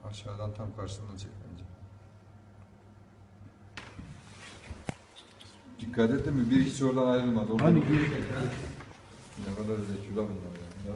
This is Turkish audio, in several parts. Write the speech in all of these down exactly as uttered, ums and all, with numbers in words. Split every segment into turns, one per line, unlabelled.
Aşağıdan tam karşısından çek bence. Dikkat et mi? Bir hiç oradan ayrılmadı. Oradan
Hani
ne kadar zekûla bunlar yani. Ya.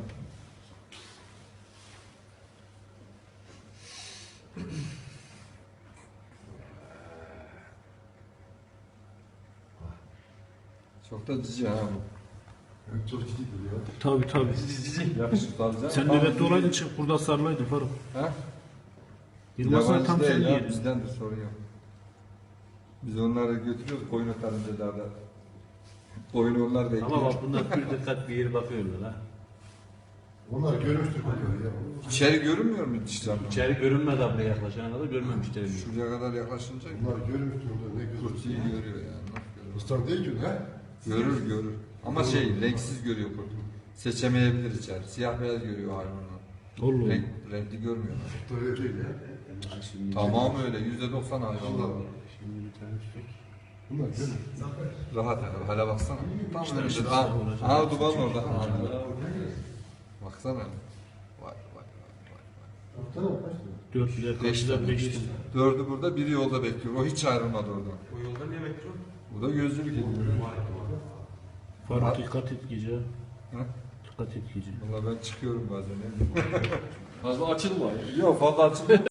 Çok da cici ha bu.
Evet, çok ciddi duruyor.
tabii tabii.
Yakışıklı alacaksın.
Sen nöbette olaydın çık burada sarılaydın Faruk.
Ha?
Yılmaz'la
Yabancı
tam
değil
sen
ya,
diyedin.
bizdendir, sorun yok. Biz onları götürüyoruz koyun otarınca dağda. Koyun onlar bekliyor.
Ama bak bunlar bir dikkat bir yere bakıyorlar ha.
Onlar görmüştür bunları ya.
İçeri görünmüyor mu dişler?
İçeri görünmedi buraya yaklaşana kadar görmemişler.
Şuraya kadar yaklaşınca
Bunlar görmüştür orada ne güzel.
kurtuyu görüyor yani. Nasıl görüyor?
Islar değil ki he?
Görür görür. Ama şey renksiz görüyor kurt. Seçemeyebilir içeri. Siyah beyaz görüyor hayvanlar.
Allah
Renk, renkli görmüyorlar.
Böyle değil ya.
Tamam öyle. Yüzde doksan hayvanlar var.
Bunlar görmüş.
Rahat hele, hele baksana. Tam
İşte
önünde.
işte
Ha,
olacak.
ha duman orada. Ha, baksana. Vay vay vay vay.
Baksana kaç lira?
Dört bile
Beş
karşıda
tane.
beş tane.
Dördü burada, biri yolda bekliyor. O hiç ayrılmadı oradan.
O yolda ne bekliyor?
Bu da gözlülük ediyor.
Faruk dikkat et gece.
Ha?
Dikkat et gece.
Valla ben çıkıyorum bazen.
Fazla açılma.
Yok fazla açılmıyor.